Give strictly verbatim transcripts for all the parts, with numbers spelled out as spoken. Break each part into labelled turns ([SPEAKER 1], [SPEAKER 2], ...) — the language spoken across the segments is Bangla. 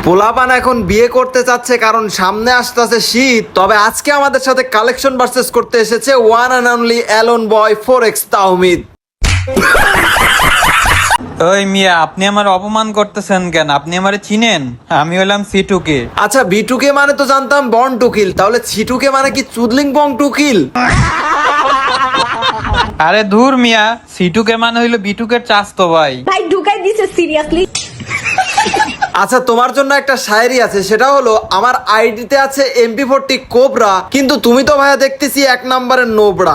[SPEAKER 1] পোলাপান এখন বিয়ে করতে চাচ্ছে কারণ সামনে আসতেছে শীত। তবে আজকে আমাদের সাথে কালেকশন ভার্সেস করতে এসেছে ওয়ান অ্যান্ড অনলি অ্যালন বয় ফোর এক্স তাওহিদ।
[SPEAKER 2] ওই মিয়া, আপনি আমার অপমান করতেছেন কেন? আপনি আমারে চিনেন? আমি হলাম সিটুকে।
[SPEAKER 1] আচ্ছা, বিটুকে মানে তো জানতাম বন টু কিল, তাহলে ছিটুকে মানে কি চুদলিং বং টু কিল?
[SPEAKER 2] আরে ধুর মিয়া, সিটুকে মানে হইলো বিটুকের চাস্তো ভাই।
[SPEAKER 3] ভাই ঢুকাই দিছে সিরিয়াসলি।
[SPEAKER 1] আচ্ছা, তোমার জন্য একটা শায়েরি আছে, সেটা হলো আমার আইডিতে আছে এমপি ফোরটি কোবরা, কিন্তু তুমি তো ভাইয়া দেখতেছি এক নম্বরের নোবরা।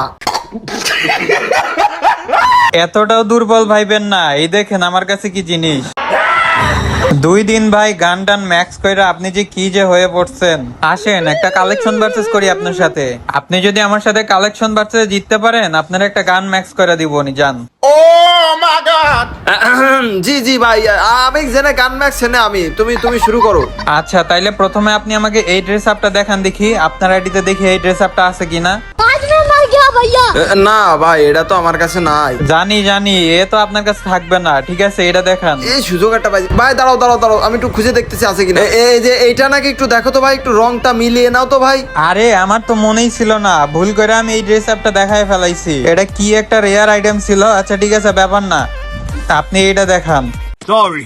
[SPEAKER 2] এতটাও দুর্বল ভাইবেন না, এই দেখেন আমার কাছে কি জিনিস। দুই দিন ভাই গান টান ম্যাক্স কইরা আপনি যে কি যে হয়ে পড়ছেন। আসেন একটা কালেকশন ভার্সেস করি আপনার সাথে। আপনি যদি আমার সাথে কালেকশন ভার্সেস জিততে পারেন, আপনার একটা গান ম্যাক্স করে দিব নি, জান।
[SPEAKER 1] ও মাই গড! জি জি ভাই, আমি জেনে গান ম্যাক্স জেনে আমি, তুমি তুমি শুরু করো।
[SPEAKER 2] আচ্ছা, তাইলে প্রথমে আপনি আমাকে এই ড্রেস আপটা দেখান দেখি, আপনার আইডিতে দেখি এই ড্রেস আপটা আছে কিনা।
[SPEAKER 1] না ভাই, এটা তো আমার কাছে নাই।
[SPEAKER 2] জানি জানি, এ তো আপনার কাছে থাকবে না। ঠিক আছে, এটা দেখান।
[SPEAKER 1] এই সুযোগ একটা ভাই, ভাই দাঁড়াও দাঁড়াও দাঁড়াও, আমি একটু খুঁজে দেখতেছি আছে কিনা। এ- এই যে এইটা নাকি, একটু দেখো তো ভাই, একটু রংটা মিলিয়ে নাও তো ভাই।
[SPEAKER 2] আরে আমার তো মনেই ছিল না, ভুল করে আমি এই ড্রেস আপটা দেখায় ফেলাইছি। এটা কি একটা রেয়ার আইটেম ছিল। আচ্ছা ঠিক আছে, ব্যাপার না, আপনি এটা দেখান।
[SPEAKER 4] Sorry.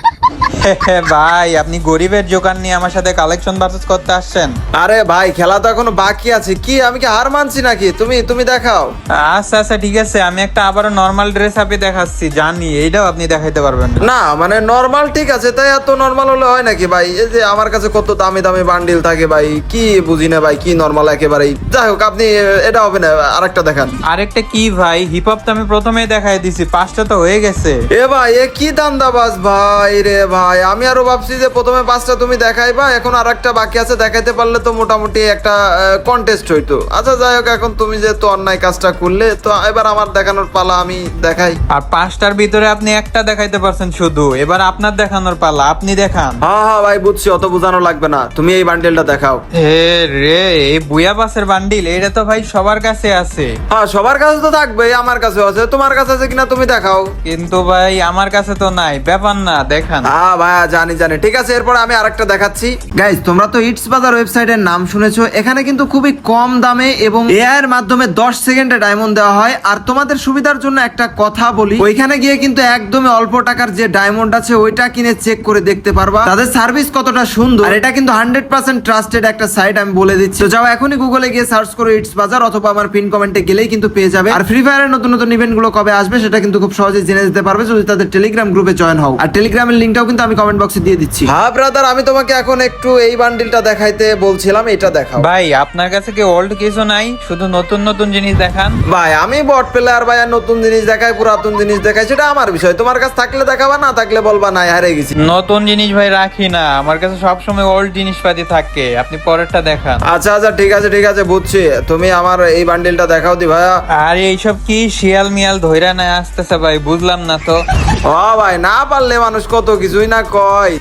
[SPEAKER 2] ভাই, আপনি গরিবের জোকান নিয়ে আমার সাথে কালেকশন ভার্সেস করতে আসছেন?
[SPEAKER 1] আরে ভাই, খেলা তো এখনো বাকি আছে, কি আমি কি হার মানছি নাকি? তুমি তুমি দেখাও।
[SPEAKER 2] আচ্ছা আচ্ছা ঠিক আছে, আমি একটা আবারও নর্মাল ড্রেস আপে দেখাচ্ছি। জানি এইটাও আপনি দেখাইতে পারবেন না।
[SPEAKER 1] না মানে নরমাল ঠিক আছে, তাই এত নরমাল হলে হয় নাকি ভাই? এই যে আমার কাছে কত দামি দামি বান্ডিল থাকে ভাই, কি বুঝি না ভাই, কি নরমাল একেবারেই। যাই হোক, আপনি এটা হবে না, আরেকটা দেখান।
[SPEAKER 2] আরেকটা কি ভাই? হিপ হপ তো আমি প্রথমেই দেখাই দিছি, পাঁচটা তো হয়ে গেছে।
[SPEAKER 1] এ ভাই, এ কি দান্দাবাজ ভাই রে ভাই! আমি আরো ভাবছি যে প্রথমে পাঁচটা তুমি দেখাইবা, এখন আর একটা বাকি আছে, দেখাইতে পারলে তো মোটামুটি একটা কন্টেস্ট হইতো। আচ্ছা যাই হোক, এখন তুমি যে তো অন্যায় কাজটা করলে, তো এবার আমার দেখানোর পালা, আমি দেখাই।
[SPEAKER 2] আর পাঁচটার ভিতরে আপনি একটা দেখাইতে পারছেন শুধু, এবার আপনার দেখানোর পালা, আপনি দেখান।
[SPEAKER 1] হ্যাঁ হ্যাঁ ভাই, বুঝছি, অত বোঝানো লাগবে না, তুমি এই বান্ডেলটা দেখাও।
[SPEAKER 2] এ রে, এই বুয়া বাসের বান্ডিল, এটা তো ভাই সবার কাছে আছে।
[SPEAKER 1] হ্যাঁ, সবার কাছে তো থাকবে, আমার কাছেও আছে, তোমার কাছে আছে কিনা তুমি দেখাও।
[SPEAKER 2] কিন্তু ভাই আমার কাছে তো নাই, ব্যাপার না, দেখান।
[SPEAKER 1] হ্যাঁ ভাইয়া, জানি জানি, ঠিক আছে, এরপর আমি আরেকটা দেখাচ্ছি। গাইজ, তোমরা তো ইটস বাজার ওয়েবসাইটের নাম শুনেছো। এখানে কিন্তু খুবই কম দামে এবং এআই এর মাধ্যমে দশ সেকেন্ডে ডায়মন্ড দেওয়া হয়। আর তোমাদের সুবিধার জন্য একটা কথা বলি, ওইখানে গিয়ে কিন্তু একদমই অল্প টাকার যে ডায়মন্ড আছে ওইটা কিনে চেক করে দেখতে পারবা তাদের সার্ভিস কতটা সুন্দর। আর এটা কিন্তু হান্ড্রেড পার্সেন্ট ট্রাস্টেড একটা সাইট, আমি বলে দিচ্ছি। তো যাও এখনই গুগলে গিয়ে সার্চ করো ইটস বাজার, অথবা আমার পিন কমেন্টে গেলেই কিন্তু পেয়ে যাবে। আর ফ্রি ফায়ারের নতুন নতুন ইভেন্ট গুলো কবে আসবে সেটা কিন্তু খুব সহজে জেনে যেতে পারবে যদি তাদের টেলিগ্রাম গ্রুপে জয়েন হও। আর টেলিগ্রামের লিঙ্কটাও কিন্তু আমি কমেন্ট বক্সে দিয়ে দিচ্ছি। হ্যাঁ ব্রাদার, আমি তোমাকে এখন একটু এই বান্ডিলটা দেখাইতে বলছিলাম, এটা দেখাও।
[SPEAKER 2] ভাই আপনার কাছে কি ওল্ড কিছু নাই? শুধু নতুন নতুন জিনিস দেখান।
[SPEAKER 1] ভাই আমি বট প্লেয়ার ভাই, আর নতুন জিনিস দেখাই পুরাতন জিনিস দেখাই, সেটা আমার বিষয়। তোমার কাছে থাকলে দেখাবা, না থাকলে বলবা নাই হারিয়ে গেছি।
[SPEAKER 2] নতুন জিনিস ভাই রাখি না, আমার কাছে সবসময় ওল্ড জিনিসপাতি থাকে। আপনি পরেরটা দেখান।
[SPEAKER 1] আচ্ছা আচ্ছা ঠিক আছে ঠিক আছে, বুঝছি। তুমি আমার এই বান্ডিলটা দেখাও দি ভাইয়া।
[SPEAKER 2] আর এইসব কি শিয়াল মিয়াল ধইরা না আসতেছে ভাই, বুঝলাম না তো।
[SPEAKER 1] ও ভাই, না পারলে মানুষ কত কিছুই না কয়।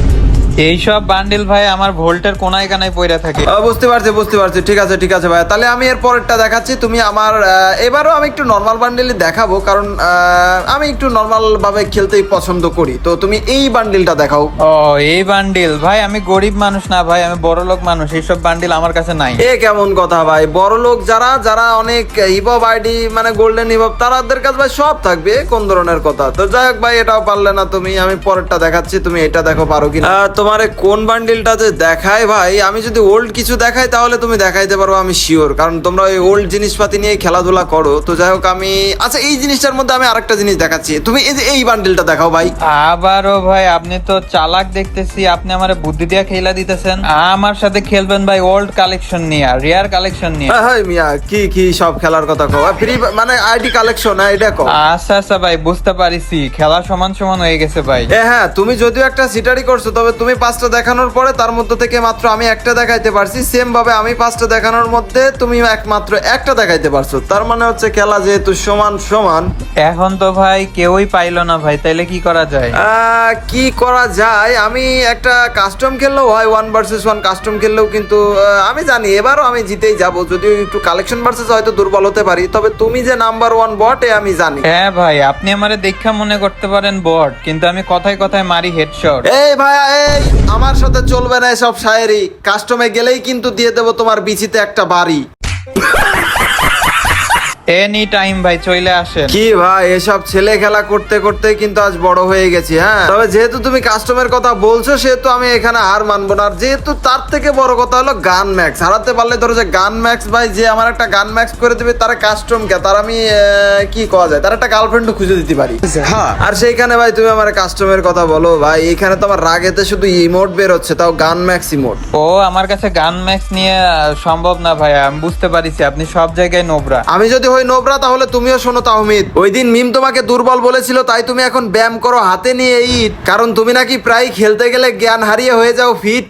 [SPEAKER 2] এইসব বান্ডিল ভাই আমার ভোল্টের কোনায় কানায় পইরা থাকে।
[SPEAKER 1] ও, বুঝতে পারছি বুঝতে পারছি, ঠিক আছে ঠিক আছে ভাইয়া, তাহলে আমি এর পরেরটা দেখাচ্ছি। তুমি আমার আহ, এবারও আমি একটু নর্মাল বান্ডিলই দেখাবো, কারণ আহ, আমি একটু নর্মাল ভাবে খেলতেই পছন্দ করি। তো তুমি এই বান্ডিলটা দেখাও।
[SPEAKER 2] ও, এই বান্ডিল ভাই, আমি গরিব মানুষ না ভাই, আমি বড় লোক মানুষ, এইসব বান্ডিল আমার কাছে নাই।
[SPEAKER 1] এ কেমন কথা ভাই? বড় লোক যারা যারা অনেক হিপহপ আইডি মানে গোল্ডেন হিপহপ, তাদের কাছে ভাই সব থাকবে, কোন ধরনের কথা? তো যাই হোক ভাই, এটাও পারলে না তুমি, আমি পরেরটা দেখাচ্ছি, তুমি এটা দেখো পারো কিনা। তোমার কোন বান্ডিলটা যে দেখায় ভাই, আমি যদি ওল্ড কিছু দেখাই তাহলে তুমি দেখাইতে পারো, আমি শিওর, কারণ তোমরা ওই ওল্ড জিনিসপাতি নিয়ে খেলাধুলা করো। তো যাই হোক, আমি আচ্ছা এই জিনিসটার মধ্যে আমি আরেকটা জিনিস দেখাচ্ছি, তুমি এই যে এই বান্ডিলটা দেখাও ভাই।
[SPEAKER 2] আবারও ভাই, আপনি তো চালাক দেখতেছি, আপনি আমার বুদ্ধি দিয়া খেলা দিতেছেন। আমার সাথে খেলবেন ভাই ওল্ড কালেকশন নিয়ে, রিয়ার কালেকশন নিয়ে।
[SPEAKER 1] হ্যাঁ মিয়া, কি কি সব খেলার কথা কও, ফ্রি মানে আইডি কালেকশন, এটা কও।
[SPEAKER 2] আচ্ছা আচ্ছা ভাই, বুঝতে পারিছি, খেলা সমান সমান হয়ে গেছে ভাই।
[SPEAKER 1] এ হ্যাঁ, তুমি যদিও একটা সিটারি করছো, তবে তুমি পাঁচটা দেখানোর পরে তার মধ্যে থেকে মাত্র আমি একটা দেখাইতে পারছি। সেম ভাবে আমি পাঁচটা দেখানোর মধ্যে তুমি একমাত্র একটা দেখাইতে পারছো, তার মানে হচ্ছে খেলা যেহেতু সমান সমান।
[SPEAKER 2] এখন তো ভাই কেউই পাইলো না ভাই, তাইলে কি করা যায়?
[SPEAKER 1] আহ, কি করা যায়? আমি একটা কাস্টম খেললেও হয়, ওয়ান ভার্সেস ওয়ান কাস্টম খেললেও কিন্তু আহ, আমি জানি এবারও আমি জিতেই যাবো, যদিও একটু কালেকশন ভার্সেস হয়তো দুর্বল হতে পারি, তবে তুমি যে নাম্বার ওয়ান বট এ আমি জানি।
[SPEAKER 2] হ্যাঁ ভাই, আপনি আমারে দেখা মনে করতে পারেন বট, কিন্তু আমি কথায় কথায় মারি হেডশট।
[SPEAKER 1] এই ভাইয়া, এই আমার সাথে চলবে না এসব শায়েরি, কাস্টমে গেলেই কিন্তু দিয়ে দেবো তোমার বিচিতে একটা বাড়ি।
[SPEAKER 2] এনি টাইম ভাই চলে আসেন।
[SPEAKER 1] কি ভাই, এসব ছেলে খেলা করতে করতে কিন্তু আজ বড় হয়ে গেছি। হ্যাঁ, তবে যেহেতু তুমি কাস্টমের কথা বলছো সেহেতু আমি এখানে আর মানবো না। আর যেহেতু তার থেকে বড় কথা হলো গান ম্যাক্স হারাতে পারলে, ধরো যে গান ম্যাক্স ভাই যে আমার একটা গান ম্যাক্স করে দেবে, তার কাস্টম কে তার আমি আহ, কি করা যায়, তার একটা গার্লফ্রেন্ডও খুঁজে দিতে পারি। হ্যাঁ, আর সেইখানে ভাই তুমি আমার কাস্টমের কথা বলো ভাই, এখানে তো আমার রাগেতে শুধু ইমোট বের হচ্ছে, তাও গান ম্যাক্স ইমোট।
[SPEAKER 2] ও আমার কাছে গান ম্যাক্স নিয়ে আহ, সম্ভব না ভাই, আমি বুঝতে পারিছি আপনি সব জায়গায় নোবরা।
[SPEAKER 1] আমি যদি হই নোবরা তাহলে তুমিও শোনো তাহমিদ, ওই দিন মিম তোমাকে দুর্বল বলেছিল, তাই তুমি এখন ব্যায়াম করো হাতে নিয়ে ইট, কারণ তুমি নাকি প্রায় খেলতে গেলে জ্ঞান হারিয়ে হয়ে যাও ফিট।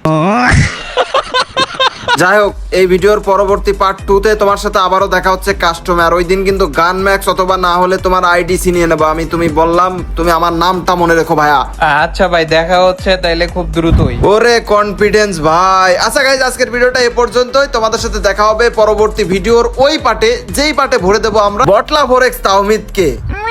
[SPEAKER 1] যাই হোক, এই ভিডিওর পরবর্তী পার্ট টু তে তোমার সাথে আবারও দেখা হচ্ছে কাস্টমে। আর ওই দিন কিন্তু গান ম্যাক্স অথবা না হলে তোমার আইডিসি নিয়ে নেবো আমি। তুমি বললাম, তুমি আমার নামটা মনে রেখো ভাইয়া।
[SPEAKER 2] আচ্ছা ভাই, দেখা হচ্ছে তাইলে খুব দ্রুতই।
[SPEAKER 1] ওরে কনফিডেন্স ভাই। আচ্ছা গাইজ, আজকের ভিডিওটা এ পর্যন্তই। তোমাদের সাথে দেখা হবে পরবর্তী ভিডিওর ওই পার্টে, যেই পার্টে ভরে দেবো আমরা বটলা ফোরেক্স তাহমিদকে।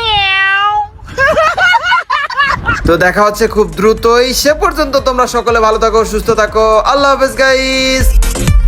[SPEAKER 1] তো দেখা হচ্ছে খুব দ্রুতই। সে পর্যন্ত তোমরা সকলে ভালো থাকো, সুস্থ থাকো। আল্লাহ হাফেজ গাইস।